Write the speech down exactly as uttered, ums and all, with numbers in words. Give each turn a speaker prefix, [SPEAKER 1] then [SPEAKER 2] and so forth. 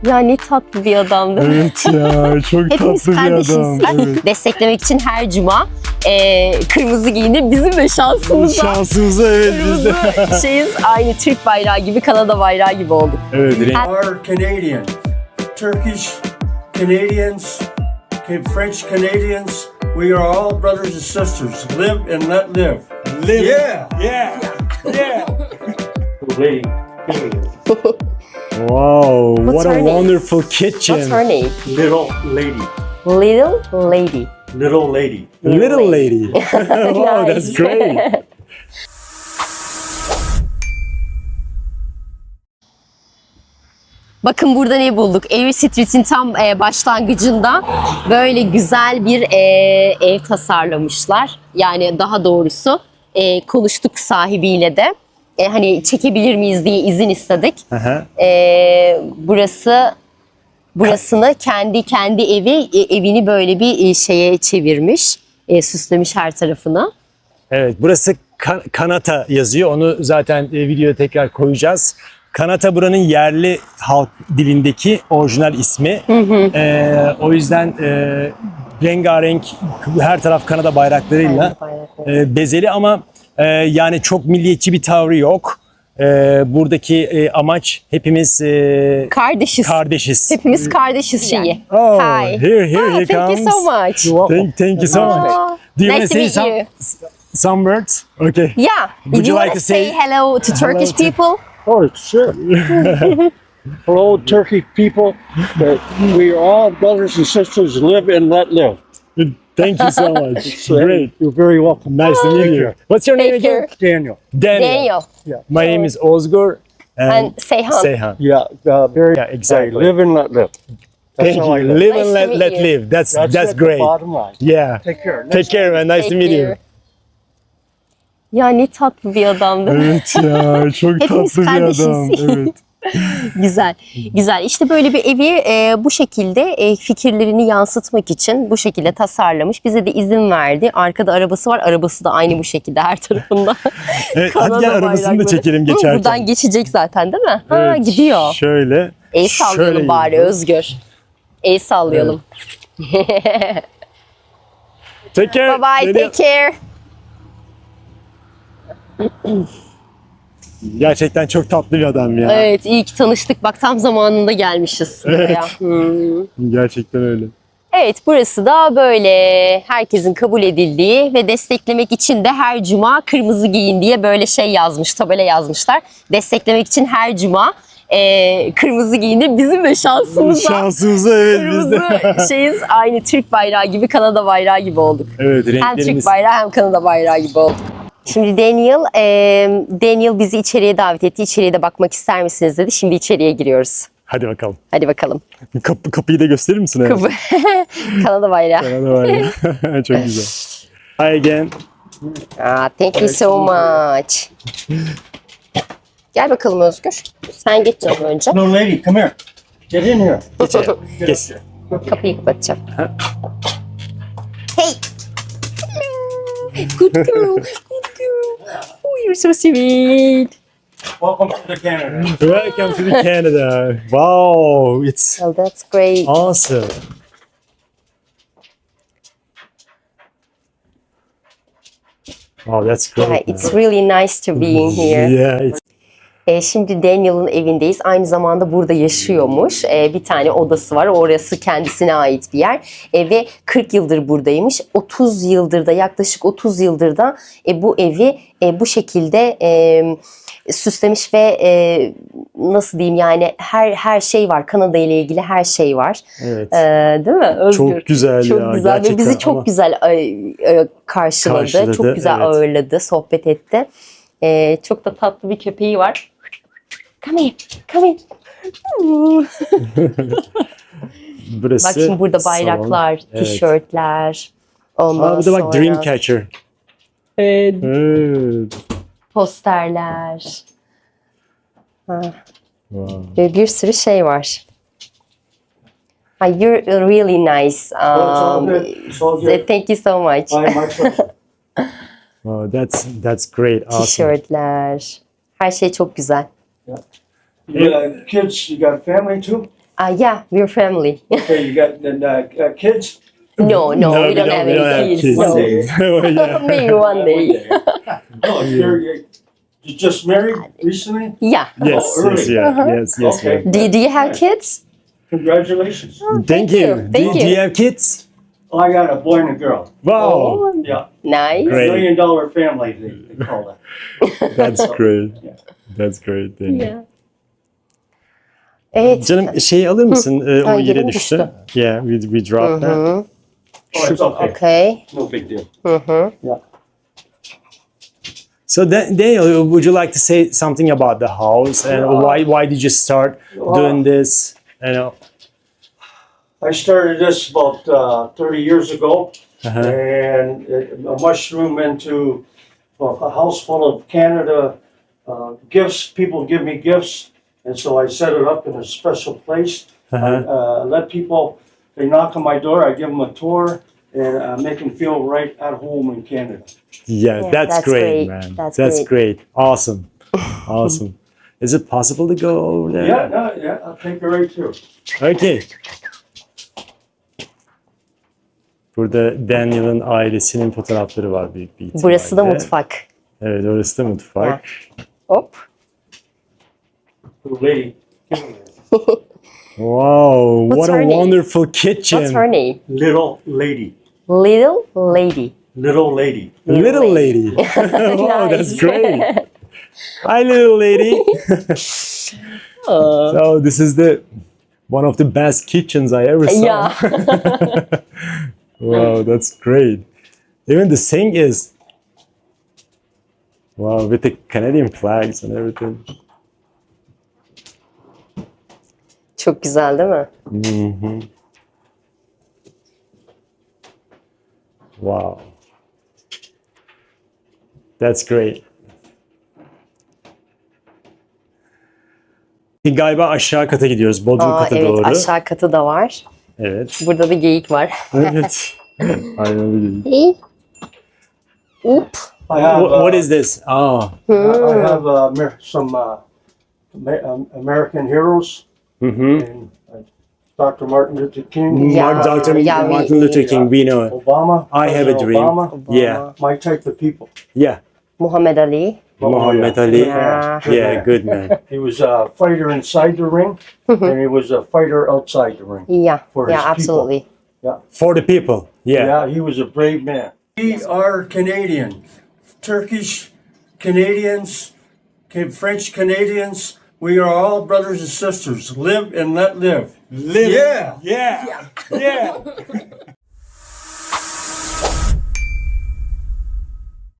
[SPEAKER 1] Ya ne tatlı bir adamdı.
[SPEAKER 2] Evet ya, çok
[SPEAKER 1] Hepimiz
[SPEAKER 2] tatlı bir
[SPEAKER 1] kardeşiz.
[SPEAKER 2] adam. Evet.
[SPEAKER 1] Desteklemek için her cuma e, kırmızı giyinir. Bizim de şansımıza.
[SPEAKER 2] Şansımıza evet biz de.
[SPEAKER 1] Kırmızı şeyiz. Aynı Türk bayrağı gibi, Kanada bayrağı gibi olduk.
[SPEAKER 2] Evet, renk.
[SPEAKER 3] are Canadian, Turkish Canadians, French Canadians. We are all brothers and sisters. Live and let live.
[SPEAKER 2] Live.
[SPEAKER 3] Yeah.
[SPEAKER 2] Yeah. Yeah.
[SPEAKER 3] Lady.
[SPEAKER 2] Wow,
[SPEAKER 1] What's
[SPEAKER 2] what
[SPEAKER 1] her
[SPEAKER 2] a
[SPEAKER 1] name?
[SPEAKER 2] wonderful kitchen.
[SPEAKER 1] What's her name?
[SPEAKER 3] Little lady.
[SPEAKER 1] Little Lady.
[SPEAKER 3] Little lady.
[SPEAKER 2] Little lady. Wow, that's
[SPEAKER 1] Nice.
[SPEAKER 2] great.
[SPEAKER 1] Bakın burada ne bulduk? Avery Street'in tam e, başlangıcında böyle güzel bir e, ev tasarlamışlar. Yani daha doğrusu e, konuştuk sahibiyle de. E, hani çekebilir miyiz diye izin istedik.
[SPEAKER 2] Aha.
[SPEAKER 1] E, burası burasını kendi kendi evi e, evini böyle bir e, şeye çevirmiş. E, süslemiş her tarafını.
[SPEAKER 2] Evet, burası Kan- Kanata yazıyor. Onu zaten e, videoya tekrar koyacağız. Kanata buranın yerli halk dilindeki orijinal ismi. E, o yüzden e, rengarenk her taraf Kanada bayraklarıyla e, bezeli ama e, yani çok milliyetçi bir tavrı yok. E, buradaki e, amaç hepimiz e,
[SPEAKER 1] Kardeşiz.
[SPEAKER 2] kardeşiz.
[SPEAKER 1] Hepimiz kardeşiz şeyi.
[SPEAKER 2] Oh,
[SPEAKER 1] Hi.
[SPEAKER 2] here, here
[SPEAKER 1] Ah,
[SPEAKER 2] he
[SPEAKER 1] thank you
[SPEAKER 2] comes.
[SPEAKER 1] so much.
[SPEAKER 2] Thank, thank you so much.
[SPEAKER 1] Oh,
[SPEAKER 2] Do you
[SPEAKER 1] nice
[SPEAKER 2] want
[SPEAKER 1] to
[SPEAKER 2] to say
[SPEAKER 1] meet
[SPEAKER 2] some,
[SPEAKER 1] you.
[SPEAKER 2] some words? Okay.
[SPEAKER 1] Yeah.
[SPEAKER 2] Would
[SPEAKER 1] you
[SPEAKER 2] you like
[SPEAKER 1] want
[SPEAKER 2] to
[SPEAKER 1] to say,
[SPEAKER 2] say
[SPEAKER 1] hello to Turkish
[SPEAKER 2] to-
[SPEAKER 1] people?
[SPEAKER 3] Oh, sure. Hello, Turkish people. That we are all brothers and sisters. Live and let live.
[SPEAKER 2] Thank you so much. Great.
[SPEAKER 3] You're very welcome.
[SPEAKER 2] Nice to meet you. What's your name
[SPEAKER 1] Thank
[SPEAKER 2] again?
[SPEAKER 1] you.
[SPEAKER 3] Daniel.
[SPEAKER 2] Daniel.
[SPEAKER 1] Daniel.
[SPEAKER 2] My name is Ozgur. And,
[SPEAKER 1] And Seyhan.
[SPEAKER 2] Seyhan.
[SPEAKER 3] Yeah, uh, very.
[SPEAKER 2] Yeah, exactly.
[SPEAKER 3] Live and let live. That's
[SPEAKER 2] Thank
[SPEAKER 3] how I
[SPEAKER 2] you.
[SPEAKER 3] live.
[SPEAKER 2] Live
[SPEAKER 1] Nice
[SPEAKER 2] and
[SPEAKER 1] to
[SPEAKER 2] let,
[SPEAKER 1] meet
[SPEAKER 2] let
[SPEAKER 1] you.
[SPEAKER 2] live. That's that's,
[SPEAKER 3] That's, it, the
[SPEAKER 2] great.
[SPEAKER 3] bottom line.
[SPEAKER 2] Yeah.
[SPEAKER 3] Take care.
[SPEAKER 2] Take care, man. Nice to
[SPEAKER 1] Thank
[SPEAKER 2] meet you.
[SPEAKER 1] you. Ya ne tatlı bir adamdı.
[SPEAKER 2] Evet ya, çok
[SPEAKER 1] Hepimiz
[SPEAKER 2] tatlı bir
[SPEAKER 1] kardeşiz.
[SPEAKER 2] adam. Evet.
[SPEAKER 1] Güzel, güzel. İşte böyle bir evi e, bu şekilde e, fikirlerini yansıtmak için bu şekilde tasarlamış. Bize de izin verdi. Arkada arabası var. Arabası da aynı bu şekilde her tarafında.
[SPEAKER 2] Evet,
[SPEAKER 1] Kanada
[SPEAKER 2] hadi gel arabasını da
[SPEAKER 1] bayrakları.
[SPEAKER 2] çekelim
[SPEAKER 1] Hı,
[SPEAKER 2] geçerken.
[SPEAKER 1] Buradan geçecek zaten değil mi? Ha
[SPEAKER 2] Evet,
[SPEAKER 1] gidiyor.
[SPEAKER 2] Şöyle.
[SPEAKER 1] El sallayalım
[SPEAKER 2] şöyle
[SPEAKER 1] bari
[SPEAKER 2] gidiyor.
[SPEAKER 1] Özgür. El sallayalım.
[SPEAKER 2] Take care.
[SPEAKER 1] Bye bye,
[SPEAKER 2] Daniel.
[SPEAKER 1] take care.
[SPEAKER 2] Gerçekten çok tatlı bir adam ya.
[SPEAKER 1] Evet, iyi ki tanıştık. Bak tam zamanında gelmişiz buraya. Hmm.
[SPEAKER 2] Gerçekten öyle.
[SPEAKER 1] Evet, burası da böyle herkesin kabul edildiği ve desteklemek için de her cuma kırmızı giyin diye böyle şey yazmış, tabela yazmışlar. Desteklemek için her cuma e, kırmızı giyinir. Bizim de şansımıza
[SPEAKER 2] Şansımıza evet biz de.
[SPEAKER 1] kırmızı şeyiz. Aynı Türk bayrağı gibi, Kanada bayrağı gibi olduk.
[SPEAKER 2] Evet,
[SPEAKER 1] Hem
[SPEAKER 2] renklerimiz.
[SPEAKER 1] Türk bayrağı hem Kanada bayrağı gibi olduk. Şimdi Daniel, e, Daniel bizi içeriye davet etti. İçeriye de bakmak ister misiniz dedi. Şimdi içeriye giriyoruz.
[SPEAKER 2] Hadi bakalım.
[SPEAKER 1] Hadi bakalım.
[SPEAKER 2] Kapı, kapıyı da gösterir misin? Evet.
[SPEAKER 1] Kapı. Kanada bayrağı.
[SPEAKER 2] Hadi var ya. Çok güzel. Hi again.
[SPEAKER 1] Ah, thank you so much. Gel bakalım Özgür. Sen geç canım önce.
[SPEAKER 3] No, lady, come here. Get in here.
[SPEAKER 2] Yes.
[SPEAKER 1] Kapıyı kapatacağım. Hey! Good girl, good girl. Oh, you're so sweet.
[SPEAKER 3] Welcome to the Canada.
[SPEAKER 2] Welcome to the Canada. Wow, it's
[SPEAKER 1] Well, that's great.
[SPEAKER 2] awesome. Wow, that's great.
[SPEAKER 1] Yeah, it's really nice to be in here.
[SPEAKER 2] Yeah, it's
[SPEAKER 1] E, şimdi Daniel'ın evindeyiz. Aynı zamanda burada yaşıyormuş. E, bir tane odası var. Orası kendisine ait bir yer. E, ve kırk yıldır buradaymış. otuz yıldır da yaklaşık otuz yıldır da e, bu evi e, bu şekilde e, süslemiş ve e, nasıl diyeyim yani her her şey var. Kanada ile ilgili her şey var.
[SPEAKER 2] evet.
[SPEAKER 1] E, değil mi Özgür?
[SPEAKER 2] Çok güzel
[SPEAKER 1] Çok
[SPEAKER 2] ya,
[SPEAKER 1] güzel ve
[SPEAKER 2] gerçekten
[SPEAKER 1] bizi çok
[SPEAKER 2] ama-
[SPEAKER 1] güzel e, e, karşıladı.
[SPEAKER 2] Karşıladı,
[SPEAKER 1] Çok güzel
[SPEAKER 2] evet.
[SPEAKER 1] ağırladı, sohbet etti. E, çok da tatlı bir köpeği var. Come here, come here.
[SPEAKER 2] Burası
[SPEAKER 1] Bak şimdi burada
[SPEAKER 2] salon.
[SPEAKER 1] bayraklar,
[SPEAKER 2] Evet.
[SPEAKER 1] tişörtler. Ondan
[SPEAKER 2] Aa, bu da bak
[SPEAKER 1] sonra
[SPEAKER 2] Dreamcatcher.
[SPEAKER 1] evet,
[SPEAKER 2] Evet.
[SPEAKER 1] posterler. Ha,
[SPEAKER 2] Wow.
[SPEAKER 1] ve bir sürü şey var. Ah, you're really nice.
[SPEAKER 3] It's all
[SPEAKER 1] Um,
[SPEAKER 3] good. It's all good.
[SPEAKER 1] thank you so much.
[SPEAKER 3] Bye, my pleasure.
[SPEAKER 2] Wow, that's that's great. Awesome.
[SPEAKER 1] Tişörtler. Her şey çok güzel.
[SPEAKER 3] You got kids, you got family too?
[SPEAKER 1] Uh, yeah, we're family.
[SPEAKER 3] Okay, you got uh, uh, kids?
[SPEAKER 1] No, no, we don't have any kids.
[SPEAKER 3] One
[SPEAKER 1] No.
[SPEAKER 3] day.
[SPEAKER 2] Yeah.
[SPEAKER 1] Maybe one day.
[SPEAKER 3] Oh, you're, you're, you just married recently?
[SPEAKER 1] Yeah.
[SPEAKER 2] Yes,
[SPEAKER 3] Oh,
[SPEAKER 2] yes,
[SPEAKER 3] early.
[SPEAKER 2] yeah, yes, yes.
[SPEAKER 3] Okay.
[SPEAKER 2] ma'am.
[SPEAKER 1] Do, do you have kids?
[SPEAKER 3] Congratulations.
[SPEAKER 2] Thank,
[SPEAKER 1] Thank
[SPEAKER 2] you.
[SPEAKER 1] you,
[SPEAKER 2] Do,
[SPEAKER 1] thank
[SPEAKER 2] do
[SPEAKER 1] you.
[SPEAKER 2] you have kids?
[SPEAKER 3] Oh, I got a boy and a girl.
[SPEAKER 2] Wow,
[SPEAKER 3] Yeah.
[SPEAKER 1] Nice.
[SPEAKER 2] Great.
[SPEAKER 3] Million dollar family, they, they call that.
[SPEAKER 2] that's great.
[SPEAKER 3] Yeah.
[SPEAKER 2] That's great. Thank you.
[SPEAKER 1] Yeah. Evet.
[SPEAKER 2] Canım şey alır mısın? Ee, o
[SPEAKER 1] Ay,
[SPEAKER 2] yere
[SPEAKER 1] yerim
[SPEAKER 2] düştü.
[SPEAKER 1] düştü.
[SPEAKER 2] Yeah, we, we dropped that.
[SPEAKER 1] Hı.
[SPEAKER 3] Oh, it's okay.
[SPEAKER 1] Okay.
[SPEAKER 3] No big deal.
[SPEAKER 1] Hı hı.
[SPEAKER 3] Yeah.
[SPEAKER 2] So Dan- Daniel, would you like to say something about the house and why why did you start doing this? You know.
[SPEAKER 3] I started this about uh, thirty years ago,
[SPEAKER 2] Uh-huh.
[SPEAKER 3] and it, a mushroom into a, a house full of Canada uh, gifts. People give me gifts, and so I set it up in a special place.
[SPEAKER 2] Uh-huh.
[SPEAKER 3] I uh, let people, they knock on my door, I give them a tour, and uh, make them feel right at home in Canada.
[SPEAKER 2] Yeah,
[SPEAKER 1] Yeah,
[SPEAKER 2] that's,
[SPEAKER 1] that's
[SPEAKER 2] great,
[SPEAKER 1] great.
[SPEAKER 2] man.
[SPEAKER 1] That's
[SPEAKER 2] That's,
[SPEAKER 1] great.
[SPEAKER 2] great. Awesome. Awesome. Is it possible to go over there?
[SPEAKER 3] Yeah, no, yeah, I'll take you right through.
[SPEAKER 2] Okay. Burada Daniel'ın ailesinin fotoğrafları var büyük bir ihtimalle.
[SPEAKER 1] Burası da mutfak.
[SPEAKER 2] Evet, orası da mutfak.
[SPEAKER 1] Hop.
[SPEAKER 3] Little lady.
[SPEAKER 2] Wow,
[SPEAKER 1] What's
[SPEAKER 2] what a
[SPEAKER 1] her name?
[SPEAKER 2] wonderful kitchen.
[SPEAKER 1] What's her name?
[SPEAKER 3] Little lady.
[SPEAKER 1] Little Lady.
[SPEAKER 3] Little lady.
[SPEAKER 2] Little lady. Wow, that's
[SPEAKER 1] Nice.
[SPEAKER 2] great. Hi, little lady.
[SPEAKER 1] Uh,
[SPEAKER 2] So this is the one of the best kitchens I ever saw.
[SPEAKER 1] yeah.
[SPEAKER 2] Wow, that's great. Even the sink is wow with the Canadian flags and everything.
[SPEAKER 1] Çok güzel değil mi?
[SPEAKER 2] Mhm. Wow. That's great. Galiba aşağı kata gidiyoruz. Bodrum
[SPEAKER 1] Aa,
[SPEAKER 2] kata
[SPEAKER 1] evet,
[SPEAKER 2] doğru.
[SPEAKER 1] aşağı katı da var.
[SPEAKER 2] Evet.
[SPEAKER 1] Burada da geyik var.
[SPEAKER 2] Evet. Aynen öyle.
[SPEAKER 1] Hey. Oop.
[SPEAKER 3] I have,
[SPEAKER 2] What,
[SPEAKER 3] uh,
[SPEAKER 2] what is this? Ah.
[SPEAKER 3] I I have uh, Amer- some uh, Ama- um, American heroes
[SPEAKER 2] Mm-hmm.
[SPEAKER 3] and uh, Doctor Martin Luther King.
[SPEAKER 1] Yeah.
[SPEAKER 2] Mark, Doctor
[SPEAKER 1] Yeah, we-
[SPEAKER 2] Martin Luther King, we know.
[SPEAKER 3] Obama.
[SPEAKER 2] I have a
[SPEAKER 3] President
[SPEAKER 2] dream.
[SPEAKER 3] Obama,
[SPEAKER 2] Yeah.
[SPEAKER 3] my type of people.
[SPEAKER 2] Yeah.
[SPEAKER 1] Muhammed Ali.
[SPEAKER 2] Muhammad Ali.
[SPEAKER 1] Yeah.
[SPEAKER 2] Yeah, good man.
[SPEAKER 3] He was a fighter inside the ring, and he was a fighter outside the ring.
[SPEAKER 1] Yeah.
[SPEAKER 3] For
[SPEAKER 1] Yeah,
[SPEAKER 3] his
[SPEAKER 1] absolutely.
[SPEAKER 2] For the people. Yeah.
[SPEAKER 3] Yeah, he was a brave man. We are Canadian, Turkish Canadians, Ca- French Canadians. We are all brothers and sisters. Live and let live.
[SPEAKER 2] Live.
[SPEAKER 3] Yeah.
[SPEAKER 2] Yeah. Yeah.